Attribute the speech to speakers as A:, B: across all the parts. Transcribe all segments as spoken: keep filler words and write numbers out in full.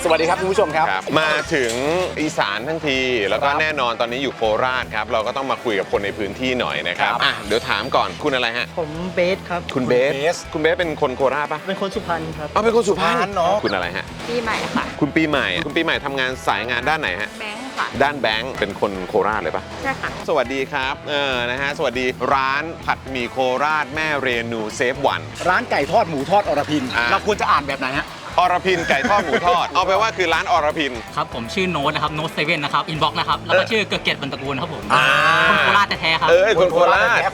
A: สวัสดีครับคุณผู้ชมครับ
B: มาถึงอีสานทั้งทีแล้วก็แน่นอนตอนนี้อยู่โคราชครับเราก็ต้องมาคุยกับคนในพื้นที่หน่อยนะครับอ่ะเดี๋ยวถามก่อนคุณอะไรฮะ
C: ผมเบสครับ
B: คุณเบสคุณเบสเป็นคนโคราชปะ
C: เป็นคนสุพรรณครับ
B: อ๋อเป็นคนสุพรรณเนาะคุณอะไรฮะ
D: ปีใหม่ค่ะ
B: คุณปีใหม่คุณปีใหม่ทำงานสายงานด้านไหนฮะ
D: แบงค์ค่ะ
B: ด้านแบงค์เป็นคนโคราชเลยปะ
D: ใช่ค่ะ
B: สวัสดีครับเออนะฮะสวัสดีร้านผัดหมี่โคราชแม่เรนูเซฟวัน
A: ร้านไก่ทอดหมูทอดอรพินเราควรจะอ่านแบบไหนฮะ
B: อรพินไก่ทอดหมูทอดเอาไปว่าคือร้านอรพิน
E: ครับผมชื่อโน้ตนะครับโน้ตเซเว่นนะครับอินบ็อกซ์นะครับแล้วก็ชื่อเกิดเกียรติบรรตระกูลครับผมคนโคราชแท้ๆครับ
B: เออคนโคราช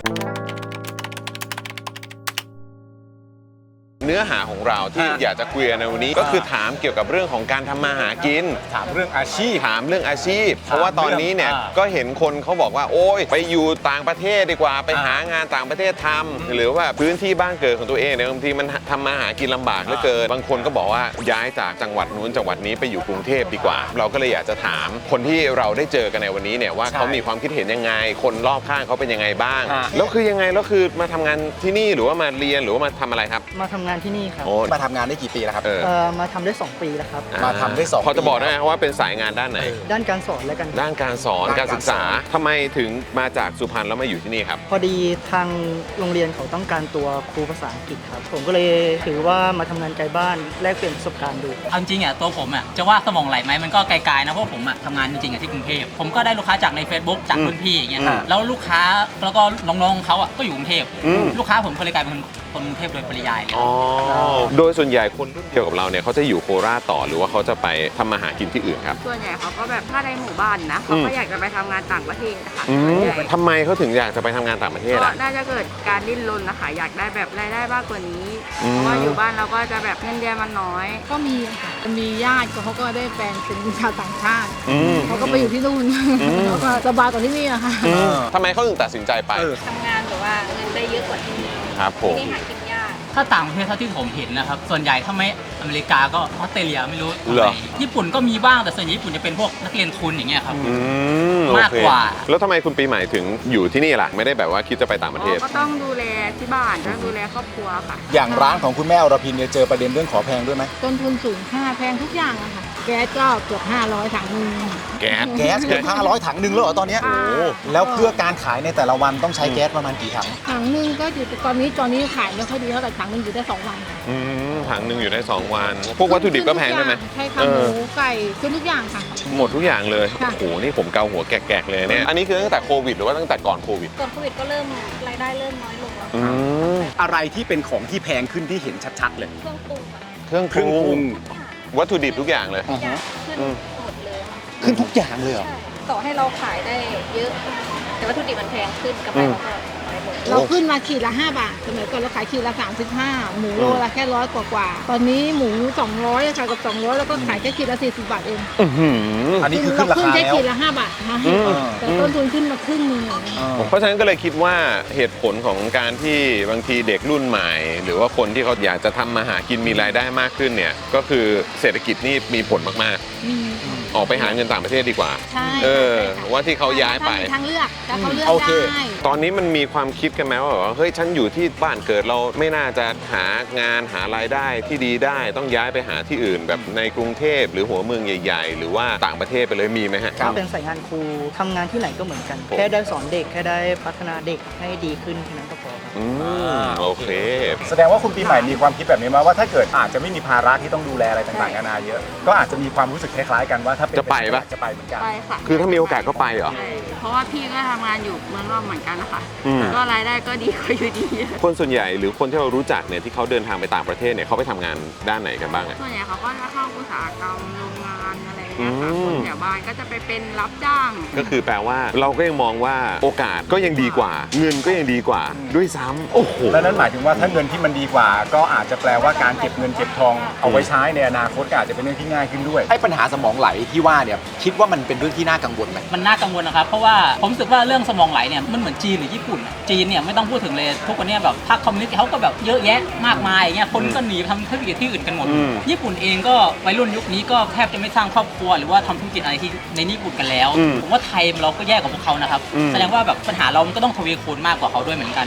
B: เนื้อหาของเราที่อยากจะคุยในวันนี้ก็คือถามเกี่ยวกับเรื่องของการทำมาหากิน
A: ถามเรื่องอาชีพ
B: ถามเรื่องอาชีพเพราะว่าตอนนี้เนี่ยก็เห็นคนเขาบอกว่าโอ๊ยไปอยู่ต่างประเทศดีกว่าไปหางานต่างประเทศทำหรือว่าพื้นที่บ้านเกิดของตัวเองเนี่ยบางทีมันทำมาหากินลำบากเหลือเกินบางคนก็บอกว่าย้ายจากจังหวัดนู้นจังหวัดนี้ไปอยู่กรุงเทพดีกว่าเราก็เลยอยากจะถามคนที่เราได้เจอกันในวันนี้เนี่ยว่าเขามีความคิดเห็นยังไงคนรอบข้างเขาเป็นยังไงบ้างแล้วคือยังไงแล้วคือมาทำงานที่นี่หรือว่ามาเรียนหรือว่ามาทำอะไรครับ
C: มาทำงานที่นี่ครับ
A: มาทำงานได้กี่ปีแล้วครับ
C: เออมาทำได้สองปีแล้วครับ
A: มาทำได้สองปี
B: พอจะบอกได้ไหมว่าเป็นสายงานด้านไหน
C: ด้านการสอนและกัน
B: ด้านการสอนการศึกษาทำไมถึงมาจากสุพรรณแล้วมาอยู่ที่นี่ครับ
C: พอดีทางโรงเรียนเขาต้องการตัวครูภาษาอังกฤษครับผมก็เลยถือว่ามาทำงานไกลบ้านแลกเปลี่ยนประสบการณ์ดู
E: เอาจริงอ่ะตัวผมอ่ะจะว่าสมองไหลไหมมันก็ไกลๆนะเพราะผมอ่ะทำงานจริงๆอ่ะที่กรุงเทพผมก็ได้ลูกค้าจากใน Facebook จากรุ่นพี่อย่างเงี้ยแล้วลูกค้าแล้วก็น้องๆเขาอ่ะก็อยู่กรุงเทพลูกค้าผมก็เลยกลายเป็นคนกรุงเทพโดยปริยาย
B: อ๋อโดยส่วนใหญ่คนรุ่นเดียวกับเราเนี่ยเขาจะอยู่โคราชต่อหรือว่าเขาจะไปทำมาหากินที่อื่นครับ
D: ส่วนใหญ่เขาก็แบบถ้าในหมู่บ้านนะเขาก็อยากจะไปทำงานต่างประเทศนะคะ
B: ทำไมเขาถึงอยากจะไปทำงานต่างประเทศอ่ะ
D: น่าจะเกิดการดิ้นรนนะคะอยากได้แบบรายได้มากกว่านี้เพราะว่าอยู่บ้านเราก็จะแบบเงินเดือนมันน้อย
F: ก็มีค่ะมีญาติเขาก็ได้แฟนเป็นชาวต่างชาติเขาก็ไปอยู่ที่นู่นแล้วก็สบายกว่าที่นี่อะค่ะ
B: ทำไมเขาถึงตัดสินใจไป
D: ทำงานหรือว่าเงินได้เยอะกว่าที่นี่
B: ครับผม
D: ที่นี่หากินยาก
E: ถ้าต่างประเทศเท่าที่ผมเห็นนะครับส่วนใหญ่ถ้าไม่อเมริกาก็ออสเตรเลียไม่รู้ญี่ปุ่นก็มีบ้างแต่ส่วนใหญ่ญี่ปุ่นจะเป็นพวกนักเรียนทุนอย่างเงี้ยครับมากกว่า
B: แล้วทำไมคุณปีใหม่ถึงอยู่ที่นี่ล่ะไม่ได้แบบว่าคิดจะไปต่างประเทศ
D: ก็ต้องดูแลที่บ้านต้องดูแลครอบครัวค่ะ
A: อย่างร้านของคุณแม่อรพินเนี่ยเจอประเด็นเรื่องขอแพงด้วยไหม
F: ต้นทุนสูงค่าแพงทุกอย่างอะค่ะแก๊สก็เกือบห้าร้อยถังนึง
B: แก๊ส
A: แก๊สเกือบห้าร้อยถังนึงแล้วเหรอตอนนี้โอ้แล้วเพื่อการขายในแต่ละวันต้องใช้แก๊สประมาณกี่ถัง
F: ถังนึงก็อยู่ตอนนี้ตอนนี้ขายไม่ค่อยดีเท่าไหร่ถังนึงอยู่ได้สองวัน
B: อืมถังนึงอยู่ได้สองวันพวกวัตถุดิบก็แพงด้วยไหม
F: ใช่ค่ะหมูไก่ขึ้นทุกอย่างค่ะ
B: หมดทุกอย่างเลยโอ้โหนี่ผมเกาหัวแกกๆเลยเนี่ยอันนี้คือตั้งแต่โควิดหรือว่าตั้งแต่ก่อนโควิด
D: ก่อนโควิดก็เริ่มรายได้เริ่มน้อยลงแล้ว
A: อะไรที่เป็นของที่แพงขึ้นที่เห็นชัดๆเลย
D: เครื่องปรุง
B: เครื่องปรุงวัตถุดิบทุกอย่างเลย
D: ขึ้นหมดเลย
A: ขึ้นทุกอย่างเลยเหรอ
D: ต่อให้เราขายได้เยอะแต่วัตถุดิบมันแพงขึ้นกำไรเราก็
F: เราขึ้นมาขีดละห้าบาทสมัยก่อนเราขายขีดละสามสิบห้าหมูโลละแค่ร้อยกว่าๆตอนนี้หมูสองร้อยขายกับสองร้อยแล้วก็ขายแค่ขีดละสี่สิบบาทเอง
A: อันนี้คือขึ้นราคาแล้ว
F: แค่ขีดละห้าบาทนะแต่ต้นทุนขึ้นมาครึ่งนึง
B: เพราะฉะนั้นก็เลยคิดว่าเหตุผลของการที่บางทีเด็กรุ่นใหม่หรือว่าคนที่เขาอยากจะทำมาหากินมีรายได้มากขึ้นเนี่ยก็คือเศรษฐกิจนี่มีผลมากๆออกไปหาเงินต่างประเทศดีกว่าเออว่าที่เขาย้ายไป
F: ทางเลือกแต่เขาเลือกได้
B: ตอนนี้มันมีความคิดกันไหมว่าเฮ้ยฉันอยู่ที่บ้านเกิดเราไม่น่าจะหางานหารายได้ที่ดีได้ต้องย้ายไปหาที่อื่นแบบในกรุงเทพหรือหัวเมืองใหญ่ๆหรือว่าต่างประเทศไปเลยมีไหมฮะ
C: เป็นสายงานครูทำงานที่ไหนก็เหมือนกันแค่ได้สอนเด็กแค่ได้พัฒนาเด็กให้ดีขึ้นแค่นั้นก็พอครับ
B: อืมโอเค
A: แสดงว่าคุณปีใหม่มีความคิดแบบนี้มาว่าถ้าเกิดอาจจะไม่มีภาระที่ต้องดูแลอะไรต่างๆนานาเยอะก็อาจจะมีความรู้สึกคล้ายๆกันว่าถ้า
B: จะไปปะ
A: จะไปเหมือนกัน
D: ไปค่ะ
B: คือถ้ามีโอกาสก็ไปเหรอ
D: เพราะว่าพี่ก็ทำงานอยู่เมืองนอกเหมือนกันนะคะก็รายได้ก็ดีกว่าอยู่ดี
B: คนส่วนใหญ่หรือคนที่เรารู้จักเนี่ยที่เขาเดินทางไปต่างประเทศเนี่ยเขาไปทำงานด้านไหนกันบ้าง
D: ส่วนใหญ่เขาก็จะเข้าอุตสาหกรรมโรงงานอะไรอย่างเงี้ยค่ะคนแถวบ้านก็จะไปเป็นรับจ้าง
B: ก็คือแปลว่าเราก็ยังมองว่าโอกาสก็ยังดีกว่าเงินก็ยังดีกว่าด้วยซ้ำโอ้โห
A: แล้วนั่นหมายถึงว่าถ้าเงินที่มันดีกว่าก็อาจจะแปลว่าการเก็บเงินเก็บทองเอาไว้ใช้ในอนาคตก็อาจจะเป็นเรื่องที่ง่ายขึ้นด้วยไอ้ปัญหาสมองไหลที่ว่าเนี่ยคิดว่ามันเป็นเรื่องที่น่ากังวลไหม
E: มันน่ากังวลนะครับเพราะว่าผมรู้สึกว่าเรื่องสมองไหลเนี่ยมันเหมือนจีนหรือญี่ปุ่นจีนเนี่ยไม่ต้องพูดถึงเลยทุกวันนี้แบบพรรคคอมมิวนิสต์เขาก็แบบเยอะแยะมากมายอย่างเงี้ยคนก็หนีไปทำธุรกิจที่อื่นกันหมดญี่ปุ่นเองก็วัยรุ่นยุคนี้ก็แทบจะไม่สร้างครอบครัวหรือว่าทำธุรกิจอะไรที่ในญี่ปุ่นกันแล้วผมว่าไทยเราก็แย่กว่าพวกเขานะครับแสดงว่าแบบปัญหาเรามันก็ต้องทวีคูณมากกว่าเขาด้วยเหมือนกันอย่างเงี้ย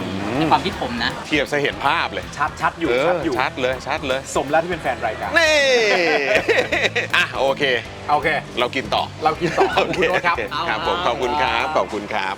E: ในความคิดผมนะ
B: เทียบซะเห็นภาพเลย
A: ชัดชัดอยู่
B: เออ
A: ชัดอยู่
B: ชัดเลยชัดเลย
A: สมแล้วที่เป็นแฟนรายการ
B: นี่ อ่ะโอเค
A: โอเค
B: เรากินต่อ
A: เรากินต่อขอบคุณคุณโน้ตครับ
B: ครับผมขอบคุณครับขอบคุณครับ